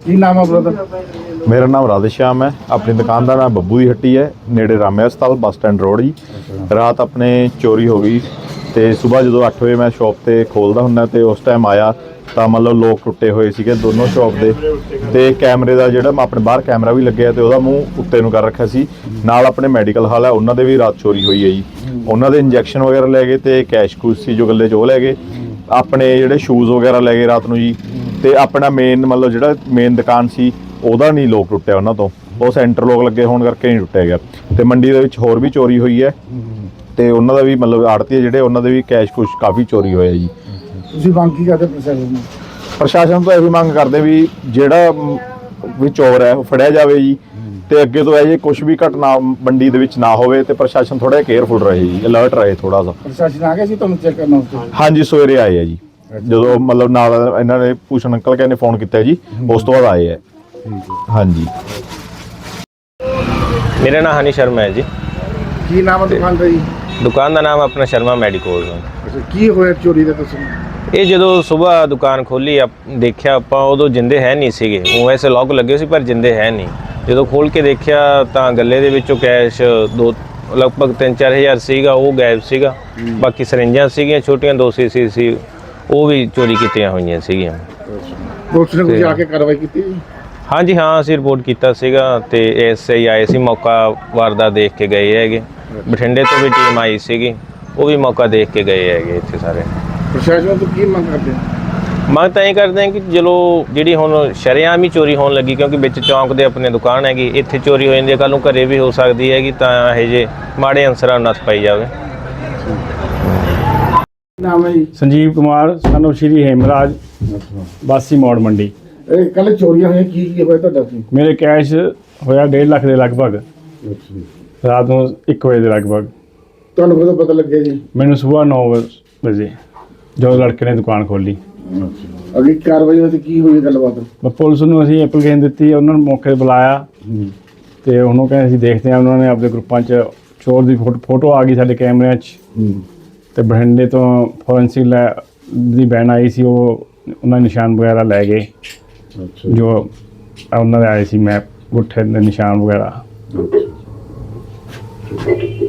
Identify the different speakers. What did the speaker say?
Speaker 1: ਕੀ ਨਾਮ ਹੈ ਬ੍ਰਦਰ?
Speaker 2: ਮੇਰਾ ਨਾਮ ਰਾਧੇਸ਼ਾਮ ਹੈ। ਆਪਣੀ ਦੁਕਾਨ ਦਾ ਨਾਮ ਬੱਬੂ ਦੀ ਹੱਟੀ ਹੈ, ਨੇੜੇ ਰਾਮਿਆ ਹਸਪਤਾਲ ਬੱਸ ਸਟੈਂਡ ਰੋਡ ਜੀ। ਰਾਤ ਆਪਣੇ ਚੋਰੀ ਹੋ ਗਈ ਤੇ ਸਵੇਰ ਜਦੋਂ 8 ਵਜੇ ਮੈਂ ਸ਼ੌਪ ਤੇ ਖੋਲਦਾ ਹੁੰਦਾ ਤੇ ਉਸ ਟਾਈਮ ਆਇਆ ਤਾਂ ਮਤਲਬ ਲੋਕ ਟੁੱਟੇ ਹੋਏ ਸੀਗੇ ਦੋਨੋਂ ਸ਼ੌਪ ਦੇ, ਤੇ ਕੈਮਰੇ ਦਾ ਜਿਹੜਾ ਆਪਣੇ ਬਾਹਰ ਕੈਮਰਾ ਵੀ ਲੱਗਿਆ ਤੇ ਉਹਦਾ ਮੂੰਹ ਉੱਤੇ ਨੂੰ ਕਰ ਰੱਖਿਆ ਸੀ। ਨਾਲ ਆਪਣੇ ਮੈਡੀਕਲ ਹਾਲ ਹੈ, ਉਹਨਾਂ ਦੇ ਵੀ ਰਾਤ ਚੋਰੀ ਹੋਈ ਹੈ ਜੀ। ਉਹਨਾਂ ਦੇ ਇੰਜੈਕਸ਼ਨ ਵਗੈਰਾ ਲੈ ਗਏ ਤੇ ਕੈਸ਼ ਕੂਸ਼ ਸੀ ਜੋ ਗੱਲੇ 'ਚ ਉਹ ਲੈ ਗਏ। ਆਪਣੇ ਜਿਹੜੇ ਸ਼ੂਜ਼ ਵਗੈਰਾ ਲੈ ਗਏ ਰਾਤ ਨੂੰ ਜੀ। ਤੇ ਆਪਣਾ ਮੇਨ ਮਤਲਬ ਜਿਹੜਾ ਮੇਨ ਦੁਕਾਨ ਸੀ ਉਹਦਾ ਨਹੀਂ ਲੋਕ ਟੁੱਟਿਆ ਉਹਨਾਂ ਤੋਂ, ਉਹ ਸੈਂਟਰ ਲੋਕ ਲੱਗੇ ਹੋਣ ਕਰਕੇ ਨਹੀਂ ਟੁੱਟਿਆ ਗਿਆ। ਤੇ ਮੰਡੀ ਦੇ ਵਿੱਚ ਹੋਰ ਵੀ ਚੋਰੀ ਹੋਈ ਹੈ ਤੇ ਉਹਨਾਂ ਦਾ ਵੀ ਮਤਲਬ ਆੜਤੀ ਜਿਹੜੇ ਉਹਨਾਂ ਦੇ ਵੀ ਕੈਸ਼ ਕੁਛ ਕਾਫੀ ਚੋਰੀ ਹੋਇਆ ਜੀ।
Speaker 1: ਤੁਸੀਂ ਮੰਗ ਕੀ ਕਰਦੇ
Speaker 2: ਪ੍ਰਸ਼ਾਸਨ ਤੋਂ ਇਹੀ ਮੰਗ ਕਰਦੇ ਵੀ ਜਿਹੜਾ ਵੀ ਚੋਰ ਹੈ ਉਹ ਫੜਿਆ ਜਾਵੇ ਜੀ, ਤੇ ਅੱਗੇ ਤੋਂ ਇਹ ਜੇ ਕੁਝ ਵੀ ਘਟਨਾ ਮੰਡੀ ਦੇ ਵਿੱਚ ਨਾ ਹੋਵੇ ਤੇ ਪ੍ਰਸ਼ਾਸਨ ਥੋੜਾ ਕੇਅਰਫੁਲ ਰਹੇ ਜੀ, ਅਲਰਟ ਰਹੇ ਥੋੜਾ ਜਿਹਾ।
Speaker 1: ਪ੍ਰਸ਼ਾਸਨ ਆ ਗਿਆ ਸੀ ਤੁਹਾਨੂੰ ਚੈੱਕ ਕਰਨ ਵਾਸਤੇ?
Speaker 2: ਹਾਂਜੀ, ਸਵੇਰੇ ਆਏ ਆ ਜੀ, ਜਦੋਂ ਮਤਲਬ ਨਾਲ ਇਹਨਾਂ ਨੇ ਭੂਸ਼ਣ ਅੰਕਲ ਕਹਿੰਦੇ ਫੋਨ ਕੀਤਾ ਜੀ, ਉਸ ਤੋਂ ਬਾਅਦ ਆਏ ਆ। ਹਾਂਜੀ,
Speaker 3: मेरा नाम हनी शर्मा है जी।
Speaker 1: ਕੀ ਨਾਮ ਹੈ ਦੁਕਾਨ ਦਾ ਜੀ?
Speaker 3: दुकान का नाम अपना शर्मा मैडिकोज है।
Speaker 1: ਅੱਛਾ, ਕੀ ਹੋਇਆ ਚੋਰੀ ਦਾ ਤੁਸੀਂ?
Speaker 3: ਇਹ ਜਦੋਂ ਸਵੇਰ ਦੁਕਾਨ ਖੋਲੀ ਦੇਖਿਆ ਆਪਾਂ, ਉਦੋਂ ਜਿੰਦੇ ਹੈ ਨਹੀਂ ਸੀਗੇ। ਉਹ ਵੈਸੇ ਲੌਕ ਲੱਗੇ ਸੀ ਪਰ ਜਿੰਦੇ ਹੈ ਨਹੀਂ। ਜਦੋਂ ਖੋਲ ਕੇ ਦੇਖਿਆ ਤਾਂ ਗੱਲੇ ਦੇ ਵਿੱਚੋਂ ਕੈਸ਼ ਲਗਭਗ 3-4 ਹਜ਼ਾਰ ਸੀਗਾ, ਉਹ ਗਾਇਬ ਸੀਗਾ। ਬਾਕੀ ਸਰਿੰਜਾਂ ਸੀਗੀਆਂ ਛੋਟੀਆਂ 2 ਸੀਸੀ ਸੀ, ਉਹ ਵੀ ਚੋਰੀ ਕੀਤੀਆਂ ਹੋਈਆਂ ਸੀਗੀਆਂ।
Speaker 1: ਪੁਲਿਸ ਨੇ ਕੁਝ ਆ ਕੇ ਕਾਰਵਾਈ ਕੀਤੀ?
Speaker 3: ਹਾਂਜੀ ਹਾਂ, ਅਸੀਂ ਰਿਪੋਰਟ ਕੀਤਾ ਸੀਗਾ ਤੇ ਐਸਆਈ ਆਏ ਸੀ, ਮੌਕਾ ਵਾਰਦਾਤ ਦੇਖ ਕੇ ਗਏ ਹੈਗੇ। ਬਠਿੰਡੇ ਤੋਂ ਵੀ ਟੀਮ ਆਈ ਸੀਗੀ, ਉਹ ਵੀ ਮੌਕਾ ਦੇਖ ਕੇ ਗਏ ਹੈਗੇ ਇੱਥੇ ਸਾਰੇ।
Speaker 1: ਪ੍ਰਸ਼ਾਸਨ ਤੋਂ ਕੀ ਮੰਗ ਕਰਦੇ?
Speaker 3: ਮੰਗ ਤਾਂ ਇਹ ਕਰਦੇ ਹਾਂ ਕਿ ਚਲੋ ਜਿਹੜੀ ਹੁਣ ਸ਼ਰੇਆਮ ਹੀ ਚੋਰੀ ਹੋਣ ਲੱਗੀ, ਕਿਉਂਕਿ ਵਿੱਚ ਚੌਂਕ ਦੇ ਆਪਣੇ ਦੁਕਾਨ ਹੈਗੀ, ਇੱਥੇ ਚੋਰੀ ਹੋ ਜਾਂਦੀ ਹੈ, ਕੱਲ੍ਹ ਨੂੰ ਘਰੇ ਵੀ ਹੋ ਸਕਦੀ ਹੈਗੀ, ਤਾਂ ਇਹ ਜਿਹੇ ਮਾੜੇ ਅਨਸਰਾਂ ਨੂੰ ਨੱਥ ਪਾਈ ਜਾਵੇ।
Speaker 1: ਨਾਮ ਹੈ ਜੀ?
Speaker 4: ਸੰਜੀਵ ਕੁਮਾਰ ਸਾਨੂੰ ਸ਼੍ਰੀ ਹੇਮਰਾਜ ਬਾਸੀ ਮੋੜ ਮੰਡੀ।
Speaker 1: ਇਹ ਕੱਲ ਚੋਰੀਆਂ ਹੋਈਆਂ, ਕੀ ਹੋਇਆ ਤੁਹਾਡਾ ਸੀ?
Speaker 4: ਮੇਰੇ ਕੈਸ਼ ਹੋਇਆ 1.5 ਲੱਖ ਦੇ ਲਗਭਗ, ਰਾਤ ਨੂੰ 1 ਵਜੇ ਦੇ ਲਗਭਗ।
Speaker 1: ਤੁਹਾਨੂੰ ਕਦੋਂ ਪਤਾ ਲੱਗਿਆ ਜੀ?
Speaker 4: ਮੈਨੂੰ ਸਵੇਰ 9 ਵਜੇ ਜਦੋਂ ਲੜਕੇ ਨੇ ਦੁਕਾਨ ਖੋਲੀ।
Speaker 1: ਅਗਲੀ ਕਾਰਵਾਈ ਹੋਈ ਕੀ ਹੋਈ ਗੱਲਬਾਤ?
Speaker 4: ਮੈਂ ਪੁਲਿਸ ਨੂੰ ਅਸੀਂ ਐਪਲੀਕੇਸ਼ਨ ਦਿੱਤੀ, ਉਹਨਾਂ ਨੂੰ ਮੌਕੇ 'ਤੇ ਬੁਲਾਇਆ ਤੇ ਉਹਨੂੰ ਕਹਿੰਦੇ ਅਸੀਂ ਦੇਖਦੇ ਹਾਂ। ਉਹਨਾਂ ਨੇ ਆਪਣੇ ਗਰੁੱਪਾਂ 'ਚ ਚੋਰ ਦੀ ਫੋਟੋ ਆ ਗਈ ਸਾਡੇ ਕੈਮਰਿਆਂ 'ਚ, ਤੇ ਬਠਿੰਡੇ ਤੋਂ ਫੋਰੈਂਸਿਕ ਦੀ ਬੈਨ ਆਈ ਸੀ, ਉਹ ਉਹਨਾਂ ਨਿਸ਼ਾਨ ਵਗੈਰਾ ਲੈ ਗਏ ਜੋ ਉਹਨਾਂ ਦੇ ਆਏ ਸੀ, ਮੈਪ ਗੁੱਠੇ ਦੇ ਨਿਸ਼ਾਨ ਵਗੈਰਾ।